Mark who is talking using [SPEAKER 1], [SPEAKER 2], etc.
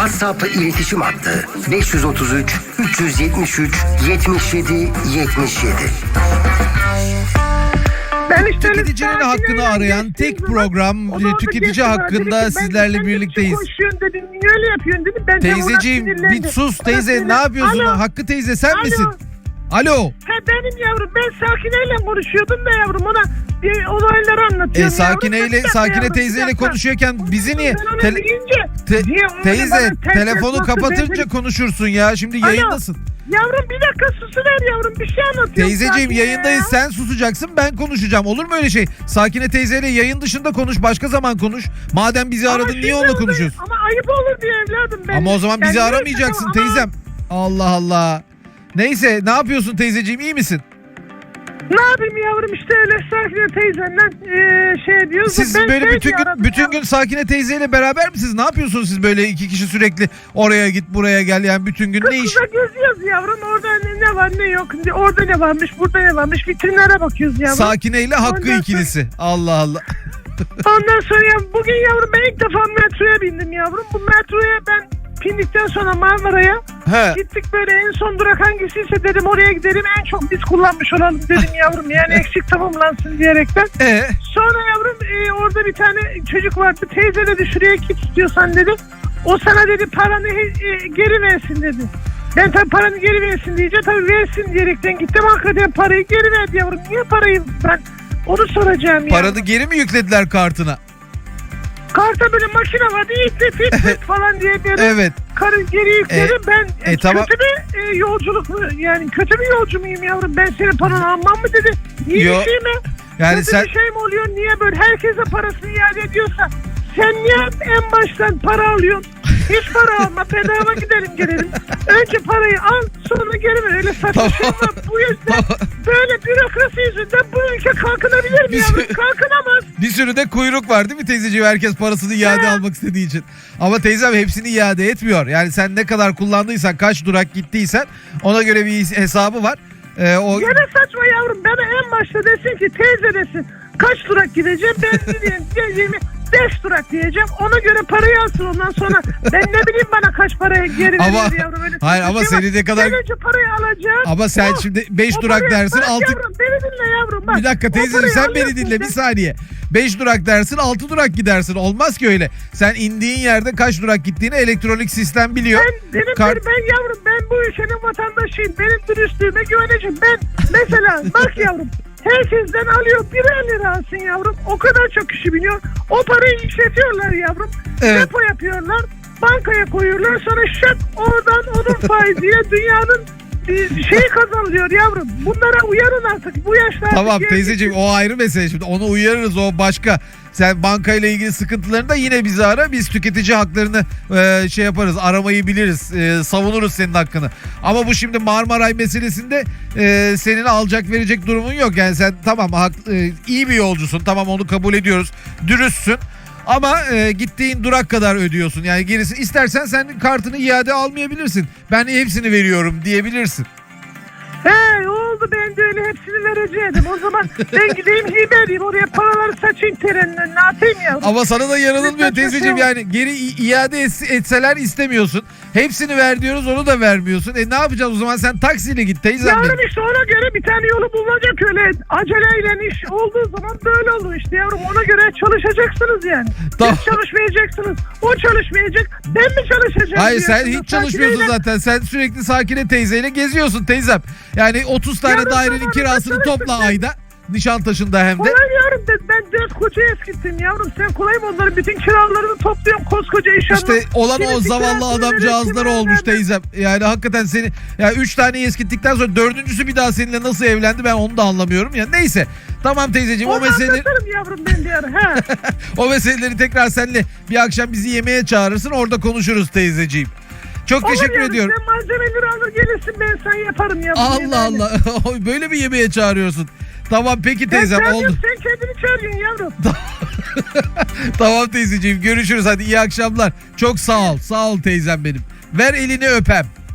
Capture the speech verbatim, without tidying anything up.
[SPEAKER 1] WhatsApp iletişim hattı beş yüz otuz üç üç yüz yetmiş üç yetmiş yedi yetmiş yedi.
[SPEAKER 2] Ben işte
[SPEAKER 3] Tüketicinin hakkını arayan tek program tüketici hakkında sizlerle birlikteyiz.
[SPEAKER 2] Koşuyorsun dedim, niye öyle yapıyorsun dedim. Ben
[SPEAKER 3] Teyzeciğim bir sus teyze, ne yapıyorsun?
[SPEAKER 2] Alo.
[SPEAKER 3] Hakkı teyze sen
[SPEAKER 2] Alo.
[SPEAKER 3] misin? Alo.
[SPEAKER 2] He benim yavrum, ben Sakine'yle konuşuyordum da yavrum, ona bir olayları anlatıyorum.
[SPEAKER 3] E, Sakine'yle,
[SPEAKER 2] yavrum.
[SPEAKER 3] Sakine
[SPEAKER 2] Yavrum,
[SPEAKER 3] teyzeyle
[SPEAKER 2] bir dakika.
[SPEAKER 3] konuşuyorken bizi niye?
[SPEAKER 2] Ben onu
[SPEAKER 3] Tele-
[SPEAKER 2] deyince,
[SPEAKER 3] Te-
[SPEAKER 2] niye onu
[SPEAKER 3] teyze
[SPEAKER 2] bana ters
[SPEAKER 3] telefonu
[SPEAKER 2] ters
[SPEAKER 3] kapatınca
[SPEAKER 2] baktı,
[SPEAKER 3] konuşursun ya, şimdi
[SPEAKER 2] Alo.
[SPEAKER 3] yayındasın.
[SPEAKER 2] Yavrum bir dakika susuver yavrum, bir şey anlatıyorum.
[SPEAKER 3] Teyzeciğim
[SPEAKER 2] Sakine
[SPEAKER 3] yayındayız,
[SPEAKER 2] ya.
[SPEAKER 3] sen susacaksın, ben konuşacağım, olur mu öyle şey? Sakine teyzeyle yayın dışında konuş, başka zaman konuş. Madem bizi
[SPEAKER 2] Ama
[SPEAKER 3] aradın
[SPEAKER 2] şimdi
[SPEAKER 3] niye onunla
[SPEAKER 2] oldu.
[SPEAKER 3] konuşuyorsun?
[SPEAKER 2] Ama ayıp olur diye evladım ben.
[SPEAKER 3] Ama o zaman bizi
[SPEAKER 2] Ben neyse,
[SPEAKER 3] aramayacaksın
[SPEAKER 2] ama-
[SPEAKER 3] teyzem. Allah Allah. Neyse, ne yapıyorsun teyzeciğim, iyi misin?
[SPEAKER 2] Ne yapayım yavrum, işte öyle Sakine teyzenle ee, şey diyoruz.
[SPEAKER 3] Siz
[SPEAKER 2] Ben
[SPEAKER 3] böyle
[SPEAKER 2] şey
[SPEAKER 3] bütün
[SPEAKER 2] diye
[SPEAKER 3] gün
[SPEAKER 2] aradım
[SPEAKER 3] bütün
[SPEAKER 2] ya.
[SPEAKER 3] gün Sakine teyzeyle beraber misiniz? Ne yapıyorsunuz siz böyle iki kişi sürekli oraya git buraya gel, yani bütün gün ne iş?
[SPEAKER 2] Kızla geziyoruz yavrum, orada ne, ne var ne yok, orada ne varmış burada ne varmış, vitrinlere bakıyoruz yavrum.
[SPEAKER 3] Sakine ile Hakkı
[SPEAKER 2] Ondan sonra-
[SPEAKER 3] ikilisi. Allah Allah.
[SPEAKER 2] Ondan sonra ya, bugün yavrum ben ilk defa metroya bindim yavrum. Bu metroya ben bindikten sonra Marmara'ya
[SPEAKER 3] He.
[SPEAKER 2] gittik, böyle en son durak hangisiyse dedim oraya gidelim, en çok biz kullanmış olalım dedim yavrum, yani eksik tamamlansın diyerekten.
[SPEAKER 3] E
[SPEAKER 2] Sonra yavrum e, orada bir tane çocuk vardı, teyze dedi şuraya git istiyorsan dedi. O sana dedi paranı e, geri versin dedi. Ben tabii paranı geri versin diyeceğim, tabii versin diyerekten gittim, hakikaten parayı geri verdi yavrum. Niye parayı, ben onu soracağım ya.
[SPEAKER 3] paranı geri mi yüklediler kartına?
[SPEAKER 2] Karta böyle makine vardı, itle fit fit falan diye böyle
[SPEAKER 3] Evet.
[SPEAKER 2] karı geri yükledim.
[SPEAKER 3] E,
[SPEAKER 2] ben
[SPEAKER 3] e,
[SPEAKER 2] e,
[SPEAKER 3] tamam.
[SPEAKER 2] kötü bir e, yolculuk mu, yani kötü bir yolcu muyum yavrum, ben senin paranı almam mı dedi. İyi
[SPEAKER 3] Yo,
[SPEAKER 2] bir şey mi?
[SPEAKER 3] Yani
[SPEAKER 2] kötü
[SPEAKER 3] sen
[SPEAKER 2] bir şey mi oluyor, niye böyle herkese parasını iade ediyorsa sen niye en baştan para alıyorsun? Hiç para alma, bedava gidelim gelelim. Önce parayı al, sonra geri ver, öyle saçma
[SPEAKER 3] Tamam.
[SPEAKER 2] şey var. Bu yüzden böyle bürokrasi yüzünden bu ülke kalkınabilir mi
[SPEAKER 3] Biz-
[SPEAKER 2] yavrum? Kalkınamaz.
[SPEAKER 3] bir sürü de kuyruk var değil mi teyzeciğim? Herkes parasını iade
[SPEAKER 2] He.
[SPEAKER 3] almak istediği için. Ama teyzem hepsini iade etmiyor. Yani sen ne kadar kullandıysan, kaç durak gittiysen ona göre bir hesabı var. Ee, o
[SPEAKER 2] Gene saçma yavrum, bana en başta desin ki teyze desin kaç durak gideceğim, ben diyeyim diyeceğimi beş durak diyeceğim, ona göre parayı alsın, ondan sonra ben ne bileyim bana kaç paraya geri
[SPEAKER 3] Ama-
[SPEAKER 2] verir yavrum, öyle
[SPEAKER 3] hayır,
[SPEAKER 2] saçma
[SPEAKER 3] ama
[SPEAKER 2] şey var.
[SPEAKER 3] seni ne kadar-
[SPEAKER 2] Ben önce parayı alacağım.
[SPEAKER 3] ama sen
[SPEAKER 2] O-
[SPEAKER 3] şimdi beş
[SPEAKER 2] o
[SPEAKER 3] durak
[SPEAKER 2] parayı-
[SPEAKER 3] dersin,
[SPEAKER 2] bak
[SPEAKER 3] altı
[SPEAKER 2] yavrum, beni dinle yavrum bak.
[SPEAKER 3] Bir dakika
[SPEAKER 2] O
[SPEAKER 3] teyzeciğim,
[SPEAKER 2] parayı
[SPEAKER 3] sen beni
[SPEAKER 2] alıyorsun
[SPEAKER 3] dinle bir
[SPEAKER 2] sen.
[SPEAKER 3] saniye. beş durak dersin, altı durak gidersin. Olmaz ki öyle. Sen indiğin yerde kaç durak gittiğini elektronik sistem biliyor.
[SPEAKER 2] Ben, benim,
[SPEAKER 3] Kar-
[SPEAKER 2] ben yavrum, ben bu ülkenin vatandaşıyım. Benim dürüstlüğüme güveneceğim. Ben mesela bak yavrum, herkesten alıyor, birer lira alsın yavrum. O kadar çok kişi biliyor. O parayı işletiyorlar yavrum.
[SPEAKER 3] Evet.
[SPEAKER 2] Depo yapıyorlar. Bankaya koyuyorlar. Sonra şak oradan onun faiziyle dünyanın bir şeyi kazanılıyor yavrum. Bunlara uyarın artık. Bu yaşlarda.
[SPEAKER 3] Tamam
[SPEAKER 2] genç-
[SPEAKER 3] teyzeciğim, o ayrı mesele, şimdi onu uyarırız, o başka. Sen bankayla ilgili sıkıntılarında yine bizi ara, biz tüketici haklarını e, şey yaparız, aramayı biliriz, e, savunuruz senin hakkını. Ama bu şimdi Marmaray meselesinde e, senin alacak verecek durumun yok. Yani sen tamam hak, e, iyi bir yolcusun, tamam onu kabul ediyoruz, dürüstsün. Ama e, gittiğin durak kadar ödüyorsun. Yani gerisi, istersen sen kartını iade almayabilirsin. Ben hepsini veriyorum diyebilirsin.
[SPEAKER 2] He oldu, ben de öyle hepsini vereceğim. O zaman ben gideyim hibe edeyim, oraya paraları saçayım terenin önüne atayım yavrum.
[SPEAKER 3] Ama sana da yaranılmıyor
[SPEAKER 2] Lütfen
[SPEAKER 3] teyzeciğim,
[SPEAKER 2] çocuğum.
[SPEAKER 3] yani geri i- iade ets- etseler istemiyorsun. Hepsini ver diyoruz, onu da vermiyorsun. E ne yapacağız o zaman, sen taksiyle git teyzem benim.
[SPEAKER 2] Yavrum işte ona göre bir tane yolu bulunacak, öyle aceleyle iş olduğu zaman böyle olur işte yavrum, ona göre çalışacaksınız yani.
[SPEAKER 3] Tamam.
[SPEAKER 2] Siz çalışmayacaksınız, o çalışmayacak, ben mi çalışacağım?
[SPEAKER 3] Hayır, sen
[SPEAKER 2] diyorsunuz.
[SPEAKER 3] hiç çalışmıyorsun
[SPEAKER 2] Sakineyle-
[SPEAKER 3] zaten. Sen sürekli Sakine teyzeyle geziyorsun teyzem. Yani otuz tane
[SPEAKER 2] Yarın
[SPEAKER 3] dairenin
[SPEAKER 2] zamanında
[SPEAKER 3] kirasını
[SPEAKER 2] çalıştım
[SPEAKER 3] topla
[SPEAKER 2] ben.
[SPEAKER 3] ayda. Nişantaşı'nda hem de.
[SPEAKER 2] Kolay yavrum, ben, ben dört koca eskittim yavrum, sen kolay mı, onların bütün kiralarını topluyorum koskoca iş adamı.
[SPEAKER 3] İşte olan o
[SPEAKER 2] Birisi
[SPEAKER 3] zavallı
[SPEAKER 2] kirasını
[SPEAKER 3] adamcağızları
[SPEAKER 2] verir,
[SPEAKER 3] olmuş
[SPEAKER 2] kimine
[SPEAKER 3] teyzem. Yani hakikaten seni, ya üç tane eskittikten sonra dördüncüsü bir daha seninle nasıl evlendi ben onu da anlamıyorum ya. Neyse. Tamam teyzeciğim, o
[SPEAKER 2] Onu
[SPEAKER 3] meseleleri
[SPEAKER 2] anlatırım yavrum ben bir ara. He.
[SPEAKER 3] o meseleleri tekrar seninle bir akşam bizi yemeğe çağırırsın, orada konuşuruz teyzeciğim. Çok
[SPEAKER 2] Olur
[SPEAKER 3] teşekkür
[SPEAKER 2] yavrum,
[SPEAKER 3] ediyorum.
[SPEAKER 2] sen malzemeleri alır gelirsin, ben sana yaparım yavrum.
[SPEAKER 3] Allah
[SPEAKER 2] yemeğini.
[SPEAKER 3] Allah. Böyle mi yemeğe çağırıyorsun? Tamam peki teyzem,
[SPEAKER 2] sen
[SPEAKER 3] oldu.
[SPEAKER 2] çağırıyorsun, Sen kendini çağırıyorsun yavrum.
[SPEAKER 3] Tamam teyzeciğim, görüşürüz, hadi iyi akşamlar. Çok sağ ol. Sağ ol teyzem benim. Ver elini öpem.